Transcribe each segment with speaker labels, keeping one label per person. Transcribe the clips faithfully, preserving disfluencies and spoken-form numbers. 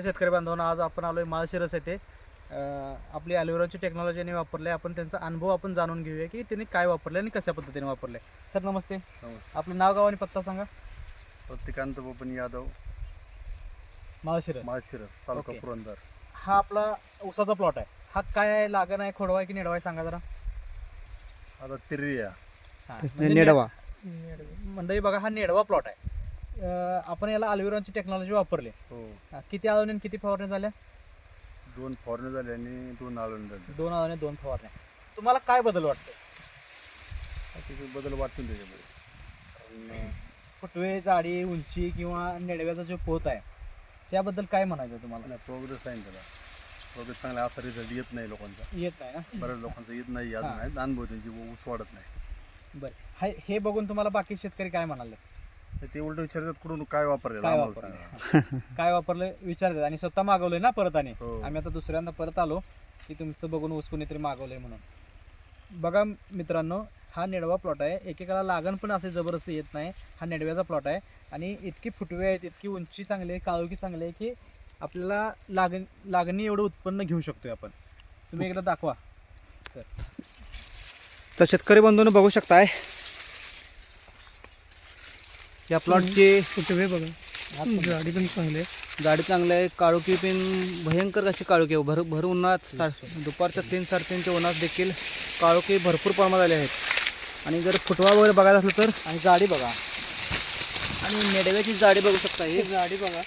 Speaker 1: शेतकरी बांधवांनो, आज आपण आलोय माळशिरस येथे. अं, आपली ॲलोवेराची टेक्नॉलॉजीने वापरले. आपण त्यांचा अनुभव आपण जाणून घेऊया की त्यांनी काय वापरले आणि कशा पद्धतीने वापरले. सर नमस्ते.
Speaker 2: नमस्ते.
Speaker 1: आपलं नाव गाव आणि पत्ता सांगा.
Speaker 2: प्रतिकांत बबन यादव,
Speaker 1: माळशिरस
Speaker 2: माळशिरस, तालुका
Speaker 1: ओके.
Speaker 2: पुरंदर.
Speaker 1: हा आपला ऊसाचा प्लॉट आहे. हा काय आहे, लागण आहे, खोडवा आहे की नेडवा आहे, सांगा जरा.
Speaker 2: आता तिरिया
Speaker 1: हा,
Speaker 3: म्हणजे
Speaker 1: म्हणजे
Speaker 3: नेडवा.
Speaker 1: नेड- मंडळी बघा, हा नेडवा प्लॉट आहे. अं, आपण याला ॲलोवेराची टेक्नॉलॉजी वापरली.
Speaker 2: हो.
Speaker 1: हा, किती आळवणी आणि किती फवारण्या झाल्या?
Speaker 2: दोन फॉरने झाले आणि दोन आळून झाले.
Speaker 1: दोन आळवणी दोन फवारण्या. तुम्हाला काय बदल वाटतो?
Speaker 2: तिथे बदल वाटतो त्याच्यामध्ये. कारण
Speaker 1: फुटवे, जाडी, उंची किंवा नेडव्याचा जो पोत आहे त्याबद्दल काय म्हणायचं तुम्हाला?
Speaker 2: प्रोग्रेस आहे ना त्याला. प्रोग्रेस चांगला असा रिझल्ट येत नाही लोकांचा.
Speaker 1: येत नाही ना.
Speaker 2: बऱ्याच लोकांचा येत नाही अजून
Speaker 1: हां.
Speaker 2: आहे. अनुभव त्यांची ऊस वाढत नाही.
Speaker 1: बरं, हाय हे बघून तुम्हाला बाकी शेतकरी काय म्हणाले?
Speaker 2: तर ते उलट विचारतात कुठून काय वापरलेलं
Speaker 1: काय
Speaker 2: आम्हाला
Speaker 1: वापरलं?
Speaker 2: सांगा.
Speaker 1: काय वापरलं विचारतात आणि स्वतः मागवलंय ना परत. आणि
Speaker 2: हो.
Speaker 1: आम्ही आता दुसऱ्यांदा परत आलो की तुमचं बघून ऊस कोणीतरी मागवलंय म्हणून. बघा मित्रांनो, हा नेडवा प्लॉट आहे. एकेकाला लागण पण असे जबरदस्त येत नाही. हा नेडव्याचा प्लॉट आहे आणि इतकी फुटवे आहेत, इतकी उंची चांगली आहे, काळोखी चांगली आहे की आपल्याला लागण लागणी एवढं उत्पन्न घेऊ शकतोय आपण. तुम्ही एकदा दाखवा सर.
Speaker 3: तर शेतकरी बंधूंनो बघू शकताय या प्लॉटचे
Speaker 4: फुटवे बघा, गाडी पण चांगली आहे.
Speaker 3: गाडी चांगली आहे. काळोखी पण भयंकर अशी काळोखी आहे. भर भर उन्हात सा- दुपारच्या तीन साडेतीनच्या उन्हात देखील काळोखी भरपूर प्रमाणात आले आहेत. आणि जर फुटवा वगैरे बघायला असलं तर आणि जाडी बघा, आणि नेडव्याची जाडी बघू शकता. ही
Speaker 4: गाडी बघा,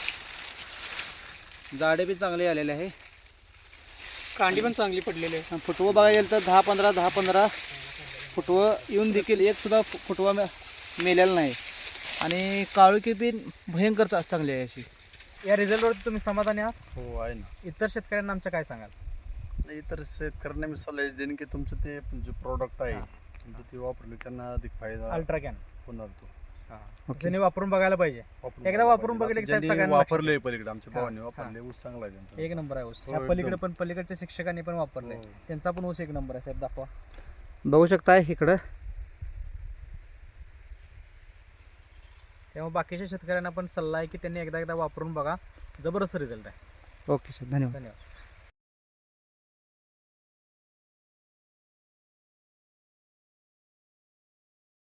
Speaker 3: जाडी बी चांगली आलेली आहे.
Speaker 4: कांडी पण चांगली पडलेली आहे.
Speaker 3: आणि फुटवं बघायला गेलं तर दहा पंधरा दहा पंधरा फुटवं येऊन देखील एक सुद्धा फु- फुटवा मे- मेलेला नाही. आणि काळोखी बी भयंकर चा- चांगली आहे अशी.
Speaker 1: या रिझल्टवर तुम्ही समाधानी आहात?
Speaker 2: हो आहे ना.
Speaker 1: इतर शेतकऱ्यांना आमच्या काय सांगाल?
Speaker 2: नाही, तर शेतकऱ्यांना मी सल्ला देईन की तुमचं ते जे प्रोडक्ट आहे तुमचं ते वापरले त्यांना अधिक फायदा
Speaker 1: अल्ट्रा कॅन
Speaker 2: होणार तो.
Speaker 1: त्यांनी वापरून बघायला पाहिजे.
Speaker 2: वापरून
Speaker 1: एकदा वापरून
Speaker 2: बघायला
Speaker 1: बघितलं की साहेब
Speaker 2: ज्यांनी
Speaker 1: सगळ्यांना
Speaker 2: वापरलंय पलीकडे आमच्या
Speaker 1: हां,
Speaker 2: भावाने
Speaker 1: हां.
Speaker 2: वापरले ऊस चांगला आहे त्यांचा.
Speaker 1: एक नंबर आहे ऊस.
Speaker 2: हो,
Speaker 1: ह्या
Speaker 2: एकदम.
Speaker 1: पलीकडे पण पलीकडच्या शिक्षकांनी पण वापरले.
Speaker 2: हो.
Speaker 1: त्यांचा पण ऊस एक नंबर आहे साहेब. दाखवा.
Speaker 3: बघू शकताय इकडं.
Speaker 1: तेव्हा बाकीच्या शेतकऱ्यांना पण सल्ला आहे की त्यांनी एकदा एकदा वापरून बघा. जबरदस्त रिझल्ट आहे.
Speaker 3: ओके सर, धन्यवाद.
Speaker 1: धन्यवाद.